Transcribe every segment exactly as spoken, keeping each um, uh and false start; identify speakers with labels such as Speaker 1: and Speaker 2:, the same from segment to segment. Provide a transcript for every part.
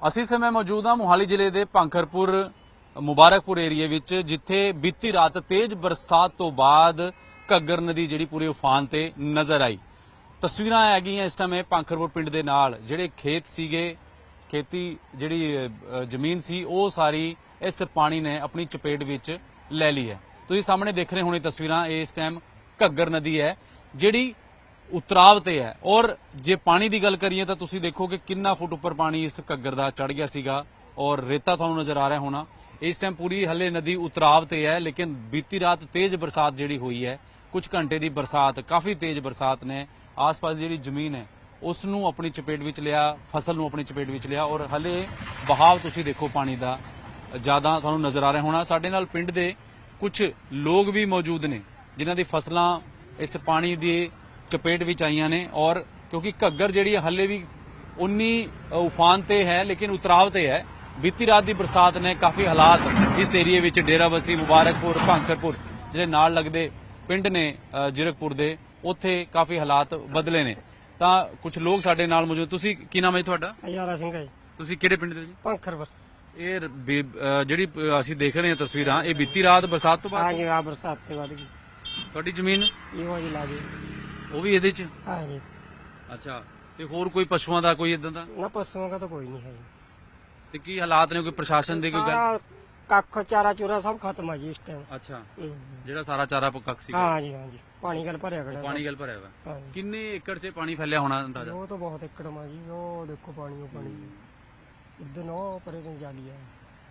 Speaker 1: ਅਸੀਂ ਸਮੇਂ ਮੌਜੂਦ ਹਾਂ ਮੋਹਾਲੀ ਜ਼ਿਲ੍ਹੇ ਦੇ ਭਾਂਖਰਪੁਰ ਮੁਬਾਰਕਪੁਰ ਏਰੀਏ ਵਿੱਚ, ਜਿੱਥੇ ਬੀਤੀ ਰਾਤ ਤੇਜ਼ ਬਰਸਾਤ ਤੋਂ ਬਾਅਦ ਘੱਗਰ ਨਦੀ ਜਿਹੜੀ ਪੂਰੇ ਉਫਾਨ ਤੇ ਨਜ਼ਰ ਆਈ। ਤਸਵੀਰਾਂ ਹੈਗੀਆਂ ਇਸ ਟਾਈਮ ਭਾਂਖਰਪੁਰ ਪਿੰਡ ਦੇ ਨਾਲ, ਜਿਹੜੇ ਖੇਤ ਸੀਗੇ, ਖੇਤੀ ਜਿਹੜੀ ਜ਼ਮੀਨ ਸੀ, ਉਹ ਸਾਰੀ ਇਸ ਪਾਣੀ ਨੇ ਆਪਣੀ ਚਪੇਟ ਵਿੱਚ ਲੈ ਲਈ ਹੈ। ਤੁਸੀਂ ਸਾਹਮਣੇ ਦੇਖ ਰਹੇ ਹੋਣੇ ਤਸਵੀਰਾਂ, ਇਸ ਟਾਈਮ ਘੱਗਰ ਨਦੀ ਹੈ ਜਿਹੜੀ ਉਤਰਾਵ ਤੇ ਹੈ। ਔਰ ਜੇ ਪਾਣੀ ਦੀ ਗੱਲ ਕਰੀਏ ਤਾਂ ਤੁਸੀਂ ਦੇਖੋ ਕਿ ਕਿੰਨਾ ਫੁੱਟ ਉੱਪਰ ਪਾਣੀ ਇਸ ਘੱਗਰ ਦਾ ਚੜ ਗਿਆ ਸੀਗਾ, ਔਰ ਰੇਤਾ ਤੁਹਾਨੂੰ ਨਜ਼ਰ ਆ ਰਿਹਾ ਹੋਣਾ। ਇਸ ਟਾਈਮ ਪੂਰੀ ਹਲੇ ਨਦੀ ਉਤਰਾਵ ਤੇ ਹੈ, ਲੇਕਿਨ ਬੀਤੀ ਰਾਤ ਤੇਜ਼ ਬਰਸਾਤ ਜਿਹੜੀ ਹੋਈ ਹੈ, ਕੁਝ ਘੰਟੇ ਦੀ ਬਰਸਾਤ, ਕਾਫੀ ਤੇਜ਼ ਬਰਸਾਤ ਨੇ ਆਸ-ਪਾਸ ਜਿਹੜੀ ਜ਼ਮੀਨ ਹੈ ਉਸ ਨੂੰ ਆਪਣੀ ਚਪੇਟ ਵਿੱਚ ਲਿਆ, ਫਸਲ ਨੂੰ ਆਪਣੀ ਚਪੇਟ ਵਿੱਚ ਲਿਆ। ਔਰ ਹਲੇ ਬਹਾਵ ਤੁਸੀਂ ਦੇਖੋ ਪਾਣੀ ਦਾ ਜ਼ਿਆਦਾ ਤੁਹਾਨੂੰ ਨਜ਼ਰ ਆ ਰਿਹਾ ਹੋਣਾ। ਸਾਡੇ ਨਾਲ ਪਿੰਡ ਦੇ ਕੁਝ ਲੋਕ ਵੀ ਮੌਜੂਦ ਨੇ ਜਿਨ੍ਹਾਂ ਦੀ ਫਸਲਾਂ ਇਸ ਪਾਣੀ ਦੀ ਚਪੇਟ ਵਿੱਚ ਆਈਆਂ ਨੇ। ਔਰ ਕਿਉਂਕਿ ਘੱਗਰ ਜਿਹੜੀ ਹਲੇ ਵੀ ਉਨੀ ਉਫਾਨ ਤੇ ਹੈ, ਲੇਕਿਨ ਉਤਰਾਵ ਤੇ ਹੈ। ਬੀਤੀ ਰਾਤ ਦੀ ਬਰਸਾਤ ਨੇ ਕਾਫੀ ਹਾਲਾਤ ਇਸ ਏਰੀਏ ਵਿੱਚ, ਡੇਰਾਬੱਸੀ, ਮੁਬਾਰਕਪੁਰ, ਭਾਂਖਰਪੁਰ ਜਿਹੜੇ ਨਾਲ ਲੱਗਦੇ ਪਿੰਡ ਨੇ ਜੀਰਕਪੁਰ ਦੇ, ਉੱਥੇ ਕਾਫੀ ਹਾਲਾਤ ਬਦਲੇ ਨੇ। ਤਾਂ ਕੁਝ ਲੋਕ ਸਾਡੇ ਨਾਲ ਮੌਜੂਦ। ਤੁਸੀਂ ਕੀ ਨਾਮ ਹੈ ਤੁਹਾਡਾ?
Speaker 2: ਯਾਰਾ ਸਿੰਘ ਹੈ।
Speaker 1: ਤੁਸੀਂ ਕਿਹੜੇ ਪਿੰਡ ਦੇ ਜੀ?
Speaker 2: ਭਾਂਖਰਪੁਰ।
Speaker 1: ਇਹ ਜਿਹੜੀ ਅਸੀਂ ਦੇਖ ਰਹੇ ਹਾਂ ਤਸਵੀਰਾਂ, ਇਹ ਬੀਤੀ ਰਾਤ ਬਰਸਾਤ ਤੋਂ ਬਾਅਦ?
Speaker 2: ਹਾਂਜੀ, ਆ ਬਰਸਾਤ ਤੇ ਵੱਧ ਗਈ।
Speaker 1: ਤੁਹਾਡੀ ਜ਼ਮੀਨ
Speaker 2: ਇਹੋ ਜੀ ਲਾ ਗਈ।
Speaker 1: ਉਹ ਵੀ ਇਹਦੇ ਚ?
Speaker 2: ਹਾਂਜੀ।
Speaker 1: ਅੱਛਾ, ਤੇ ਹੋਰ ਕੋਈ ਪਸ਼ੂਆਂ ਦਾ ਕੋਈ ਇਦਾਂ ਦਾ?
Speaker 2: ਨਾ, ਪਸ਼ੂਆਂ ਦਾ ਤਾਂ ਕੋਈ ਨਹੀਂ ਹੈ।
Speaker 1: ਤੇ ਕੀ ਹਾਲਾਤ ਨੇ? ਕੋਈ ਪ੍ਰਸ਼ਾਸਨ ਦੀ ਕੋਈ ਗੱਲ?
Speaker 2: ਸਾਰਾ ਕੱਖ ਚਾਰਾ ਚੂਰਾ ਸਭ ਖਤਮ ਆ ਜੀ ਇਸ ਟਾਈਮ।
Speaker 1: ਅੱਛਾ, ਜਿਹੜਾ ਸਾਰਾ ਚਾਰਾ ਪੱਕਾ ਸੀ?
Speaker 2: ਹਾਂਜੀ ਹਾਂਜੀ, ਪਾਣੀ ਗੱਲ ਭਰਿਆ ਖੜਾ।
Speaker 1: ਪਾਣੀ ਗੱਲ ਭਰਿਆ ਹੋਇਆ।
Speaker 2: ਹਾਂਜੀ।
Speaker 1: ਕਿੰਨੇ ਏਕੜ 'ਚ ਪਾਣੀ ਫੈਲਿਆ ਹੋਣਾ ਅੰਦਾਜ਼ਾ?
Speaker 2: ਉਹ ਤਾਂ ਬਹੁਤ ਏਕੜ ਮਾ ਜੀ। ਉਹ ਦੇਖੋ ਪਾਣੀ, ਉਹ ਪਾਣੀ ਇਦਾਂ ਉਹ ਪਰੇ ਤੋਂ ਜਾਲੀ ਆ।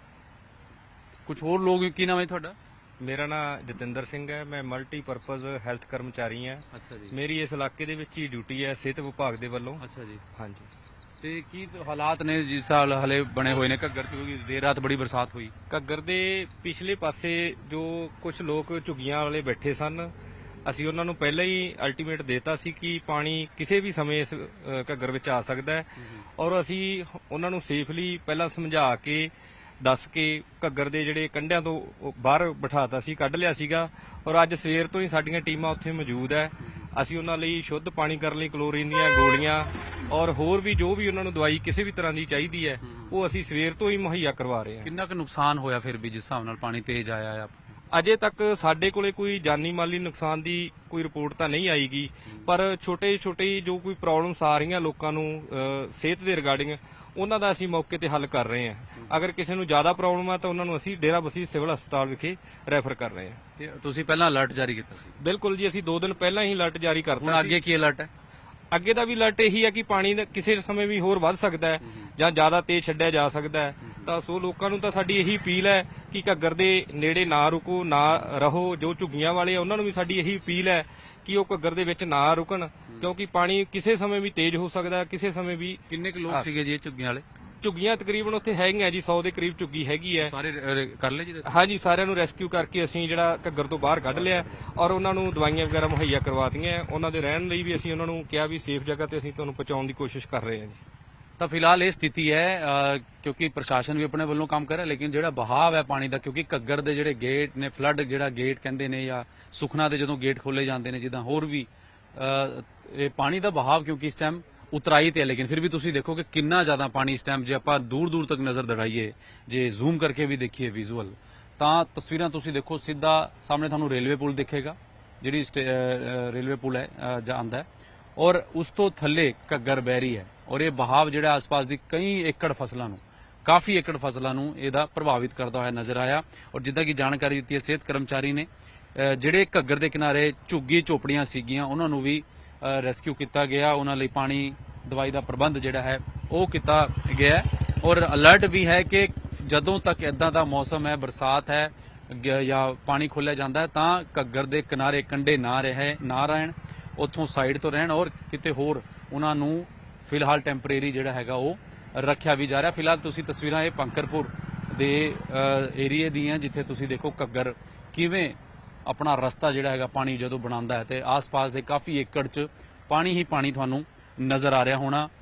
Speaker 1: ਕੁਝ ਹੋਰ ਲੋਕ, ਕੀ ਨਾਮ ਹੈ ਤੁਹਾਡਾ?
Speaker 3: ਮੇਰਾ ਨਾਮ ਜਤਿੰਦਰ ਸਿੰਘ ਹੈ। ਮੈਂ ਮਲਟੀਪਰਪਜ਼ ਹੈਲਥ ਕਰਮਚਾਰੀ ਹਾਂ।
Speaker 1: ਅੱਛਾ ਜੀ।
Speaker 3: ਮੇਰੀ ਇਸ ਇਲਾਕੇ ਦੇ ਵਿੱਚ ਹੀ ਡਿਊਟੀ ਹੈ ਸਿਹਤ ਵਿਭਾਗ ਦੇ ਵੱਲੋਂ।
Speaker 1: ਅੱਛਾ ਜੀ।
Speaker 3: ਹਾਂਜੀ।
Speaker 1: ਤੇ ਕੀ ਹਾਲਾਤ ਨੇ ਜਿਸ ਸਾਲ ਹਲੇ ਬਣੇ ਹੋਏ ਨੇ ਘੱਗਰ 'ਚ, ਕਿਉਂਕਿ ਦੇਰ ਰਾਤ ਬੜੀ ਬਰਸਾਤ ਹੋਈ?
Speaker 3: ਘੱਗਰ ਦੇ ਪਿਛਲੇ ਪਾਸੇ ਜੋ ਕੁਝ ਲੋਕ ਝੁੱਗੀਆਂ ਵਾਲੇ ਬੈਠੇ ਸਨ, ਅਸੀਂ ਉਹਨਾਂ ਨੂੰ ਪਹਿਲਾਂ ਹੀ ਅਲਟੀਮੇਟ ਦੇਤਾ ਸੀ ਕਿ ਪਾਣੀ ਕਿਸੇ ਵੀ ਸਮੇਂ ਇਸ ਅ, ਘੱਗਰ ਵਿੱਚ ਆ ਸਕਦਾ ਹੈ। ਔਰ ਅਸੀਂ ਉਹਨਾਂ ਨੂੰ ਸੇਫਲੀ ਪਹਿਲਾਂ ਸਮਝਾ ਕੇ ਦੱਸ ਕੇ ਘੱਗਰ ਦੇ ਜਿਹੜੇ ਕੰਢਿਆਂ ਤੋਂ ਉਹ ਬਾਹਰ ਬਿਠਾਤਾ ਸੀ, ਕੱਢ ਲਿਆ ਸੀਗਾ। ਔਰ ਅੱਜ ਸਵੇਰ ਤੋਂ ਹੀ ਸਾਡੀਆਂ ਟੀਮਾਂ ਉੱਥੇ ਮੌਜੂਦ ਹੈ। ਅਸੀਂ ਉਹਨਾਂ ਲਈ ਸ਼ੁੱਧ ਪਾਣੀ ਕਰਨ ਲਈ ਕਲੋਰੀਨ ਦੀਆਂ ਗੋਲੀਆਂ ਔਰ ਹੋਰ ਵੀ ਜੋ ਵੀ ਉਹਨਾਂ ਨੂੰ ਦਵਾਈ ਕਿਸੇ ਵੀ ਤਰ੍ਹਾਂ ਦੀ ਚਾਹੀਦੀ ਹੈ, ਉਹ ਅਸੀਂ ਸਵੇਰ ਤੋਂ ਹੀ ਮੁਹੱਈਆ ਕਰਵਾ ਰਹੇ ਹਾਂ।
Speaker 1: ਕਿੰਨਾ ਕੁ ਨੁਕਸਾਨ ਹੋਇਆ ਫਿਰ ਵੀ ਜਿਸ ਹਿਸਾਬ ਨਾਲ ਪਾਣੀ ਤੇਜ਼ ਆਇਆ ਆ?
Speaker 3: ਅਜੇ ਤੱਕ ਸਾਡੇ ਕੋਲੇ ਕੋਈ ਜਾਨੀ ਮਾਲੀ ਨੁਕਸਾਨ ਦੀ ਕੋਈ ਰਿਪੋਰਟ ਤਾਂ ਨਹੀਂ ਆਈਗੀ, ਪਰ ਛੋਟੇ ਛੋਟੇ ਜੋ ਕੋਈ ਪ੍ਰੋਬਲਮਸ ਆ ਰਹੀਆਂ ਲੋਕਾਂ ਨੂੰ ਅ, ਸਿਹਤ ਦੇ ਰਿਗਾਰਡਿੰਗ, ਉਹਨਾਂ ਦਾ ਅਸੀਂ ਮੌਕੇ ਤੇ ਹੱਲ ਕਰ ਰਹੇ ਹਾਂ। ਅਗਰ ਕਿਸੇ ਨੂੰ ਜ਼ਿਆਦਾ ਪ੍ਰੋਬਲਮ ਆ ਤਾਂ ਉਹਨਾਂ ਨੂੰ ਅਸੀਂ ਡੇਰਾਬੱਸੀ ਸਿਵਲ ਹਸਪਤਾਲ ਵਿਖੇ ਰੈਫਰ ਕਰ ਰਹੇ ਹਾਂ।
Speaker 1: ਤੇ ਤੁਸੀਂ ਪਹਿਲਾਂ ਅਲਰਟ ਜਾਰੀ ਕੀਤਾ ਸੀ?
Speaker 3: ਬਿਲਕੁਲ ਜੀ, ਅਸੀਂ ਦੋ ਦਿਨ ਪਹਿਲਾਂ ਹੀ ਅਲਰਟ ਜਾਰੀ ਕਰਤਾ।
Speaker 1: ਹੁਣ ਅੱਗੇ ਕੀ ਅਲਰਟ ਹੈ?
Speaker 3: ਅੱਗੇ ਦਾ ਵੀ ਅਲਰਟ ਇਹੀ ਹੈ ਕਿ ਪਾਣੀ ਦਾ ਕਿਸੇ ਸਮੇਂ ਵੀ ਹੋਰ ਵੱਧ ਸਕਦਾ ਹੈ ਜਾਂ ਜ਼ਿਆਦਾ ਤੇਜ਼ ਛੱਡਿਆ ਜਾ ਸਕਦਾ ਹੈ। ਤਾਂ ਸੋ ਲੋਕਾਂ ਨੂੰ ਤਾਂ ਸਾਡੀ ਇਹੀ ਅਪੀਲ ਹੈ ਕਿ ਘੱਗਰ ਦੇ ਨੇੜੇ ਨਾ ਰੁਕੋ, ਨਾ ਰਹੋ। ਜੋ ਝੁੱਗੀਆਂ ਵਾਲੇ ਆ ਉਹਨਾਂ ਨੂੰ ਵੀ ਸਾਡੀ ਇਹੀ ਅਪੀਲ ਹੈ ਕਿ ਉਹ ਘੱਗਰ ਦੇ ਵਿੱਚ ਨਾ ਰੁਕਣ, ਕਿਉਂਕਿ ਪਾਣੀ ਕਿਸੇ ਸਮੇਂ ਵੀ ਤੇਜ਼ ਹੋ ਸਕਦਾ ਹੈ, ਕਿਸੇ ਸਮੇਂ ਵੀ।
Speaker 1: ਕਿੰਨੇ ਕੁ ਲੋਕ ਸੀਗੇ ਜੀ ਇਹ ਝੁੱਗੀਆਂ ਵਾਲੇ?
Speaker 3: ਝੁੱਗੀਆਂ ਤਕਰੀਬਨ ਉੱਥੇ ਹੈਗੀਆਂ ਜੀ, ਸੌ ਦੇ ਕਰੀਬ ਝੁੱਗੀ ਹੈਗੀ ਹੈ।
Speaker 1: ਸਾਰੇ ਰ- ਕਰ ਲਏ ਜੀ?
Speaker 3: ਹਾਂਜੀ, ਸਾਰਿਆਂ ਨੂੰ ਰੈਸਕਿਊ ਕਰਕੇ ਅਸੀਂ ਜਿਹੜਾ ਘੱਗਰ ਤੋਂ ਬਾਹਰ ਕੱਢ ਲਿਆ ਔਰ ਉਹਨਾਂ ਨੂੰ ਦਵਾਈਆਂ ਵਗੈਰਾ ਮੁਹੱਈਆ ਕਰਵਾਤੀਆਂ। ਉਹਨਾਂ ਦੇ ਰਹਿਣ ਲਈ ਵੀ ਅਸੀਂ ਉਹਨਾਂ ਨੂੰ ਕਿਹਾ ਵੀ ਸੇਫ ਜਗ੍ਹਾ ਤੇ ਅਸੀਂ ਤੁਹਾਨੂੰ ਪਹੁੰਚਾਉਣ ਦੀ ਕੋਸ਼ਿਸ਼ ਕਰ ਰਹੇ ਹਾਂ ਜੀ।
Speaker 1: ਤਾਂ ਫਿਲਹਾਲ ਇਹ ਸਥਿਤੀ ਹੈ, ਅ, ਕਿਉਂਕਿ ਪ੍ਰਸ਼ਾਸਨ ਵੀ ਆਪਣੇ ਵੱਲੋਂ ਕੰਮ ਕਰ ਰਿਹਾ, ਲੇਕਿਨ ਜਿਹੜਾ ਬਹਾਵ ਹੈ ਪਾਣੀ ਦਾ, ਕਿਉਂਕਿ ਘੱਗਰ ਦੇ ਜਿਹੜੇ ਗੇਟ ਨੇ, ਫਲੱਡ ਜਿਹੜਾ ਗੇਟ ਕਹਿੰਦੇ ਨੇ, ਜਾਂ ਸੁਖਨਾ ਦੇ ਜਦੋਂ ਗੇਟ ਖੋਲੇ ਜਾਂਦੇ ਨੇ, ਜਿੱਦਾਂ ਹੋਰ ਵੀ ਅ, ਇਹ ਪਾਣੀ ਦਾ ਬਹਾਵ ਕਿਉਂਕਿ ਇਸ ਟਾਈਮ ਉਤਰਾਈ ਤੇ ਹੈ। ਲੇਕਿਨ ਫਿਰ ਵੀ ਤੁਸੀਂ ਦੇਖੋ ਕਿ ਕਿੰਨਾ ਜ਼ਿਆਦਾ ਪਾਣੀ ਇਸ ਟਾਈਮ, ਜੇ ਆਪਾਂ ਦੂਰ ਦੂਰ ਤੱਕ ਨਜ਼ਰ ਦੜਾਈਏ, ਜੇ ਜ਼ੂਮ ਕਰਕੇ ਵੀ ਦੇਖੀਏ ਵਿਜ਼ੂਅਲ, ਤਾਂ ਤਸਵੀਰਾਂ ਤੁਸੀਂ ਦੇਖੋ, ਸਿੱਧਾ ਸਾਹਮਣੇ ਤੁਹਾਨੂੰ ਰੇਲਵੇ ਪੁਲ ਦਿਖੇਗਾ, ਜਿਹੜੀ ਰੇਲਵੇ ਪੁਲ ਹੈ ਜਾਂਦਾ ਹੈ, ਔਰ ਉਸ ਤੋਂ ਥੱਲੇ ਘੱਗਰ ਬਹਿ ਰਹੀ ਹੈ। ਔਰ ਇਹ ਬਹਾਵ ਜਿਹੜਾ ਆਸ-ਪਾਸ ਦੀ ਕਈ ਏਕੜ ਫਸਲਾਂ ਨੂੰ, ਕਾਫੀ ਏਕੜ ਫਸਲਾਂ ਨੂੰ ਇਹਦਾ ਪ੍ਰਭਾਵਿਤ ਕਰਦਾ ਹੋਇਆ ਨਜ਼ਰ ਆਇਆ। ਔਰ ਜਿੱਦਾਂ ਕਿ ਜਾਣਕਾਰੀ ਦਿੱਤੀ ਹੈ ਸਿਹਤ ਕਰਮਚਾਰੀ ਨੇ, ਜਿਹੜੇ ਘੱਗਰ ਦੇ ਕਿਨਾਰੇ ਝੁੱਗੀ ਝੋਪੜੀਆਂ ਸੀਗੀਆਂ ਉਹਨਾਂ ਨੂੰ ਵੀ ਰੈਸਕਿਊ ਕੀਤਾ ਗਿਆ, ਉਹਨਾਂ ਲਈ ਪਾਣੀ, ਦਵਾਈ ਦਾ ਪ੍ਰਬੰਧ ਜਿਹੜਾ ਹੈ ਉਹ ਕੀਤਾ ਗਿਆ ਹੈ। ਔਰ ਅਲਰਟ ਵੀ ਹੈ ਕਿ ਜਦੋਂ ਤੱਕ ਇਦਾਂ ਦਾ ਮੌਸਮ ਹੈ, ਬਰਸਾਤ ਹੈ ਜਾਂ ਪਾਣੀ ਖੋਲ੍ਹਿਆ ਜਾਂਦਾ ਹੈ, ਤਾਂ ਘੱਗਰ ਦੇ ਕਿਨਾਰੇ ਕੰਢੇ ਨਾ ਰਹੇ ਨਾ ਰਹਿਣ, ਉੱਥੋਂ ਸਾਈਡ ਤੋਂ ਰਹਿਣ, ਔਰ ਕਿਤੇ ਹੋਰ ਉਹਨਾਂ ਨੂੰ ਫਿਲਹਾਲ ਟੈਂਪਰੇਰੀ ਜਿਹੜਾ ਹੈਗਾ ਉਹ ਰੱਖਿਆ ਵੀ ਜਾ ਰਿਹਾ। ਫਿਲਹਾਲ ਤੁਸੀਂ ਤਸਵੀਰਾਂ ਇਹ ਭਾਂਖਰਪੁਰ ਦੇ ਏਰੀਏ ਦੀਆਂ, ਜਿੱਥੇ ਤੁਸੀਂ ਦੇਖੋ ਘੱਗਰ ਕਿਵੇਂ ਆਪਣਾ ਰਸਤਾ ਜਿਹੜਾ ਹੈਗਾ ਪਾਣੀ ਜਦੋਂ ਬਣਾਉਂਦਾ ਹੈ, ਤੇ ਆਸ-ਪਾਸ ਦੇ ਕਾਫੀ ਏਕੜ 'ਚ ਪਾਣੀ ਹੀ ਪਾਣੀ ਤੁਹਾਨੂੰ ਨਜ਼ਰ ਆ ਰਿਹਾ ਹੋਣਾ।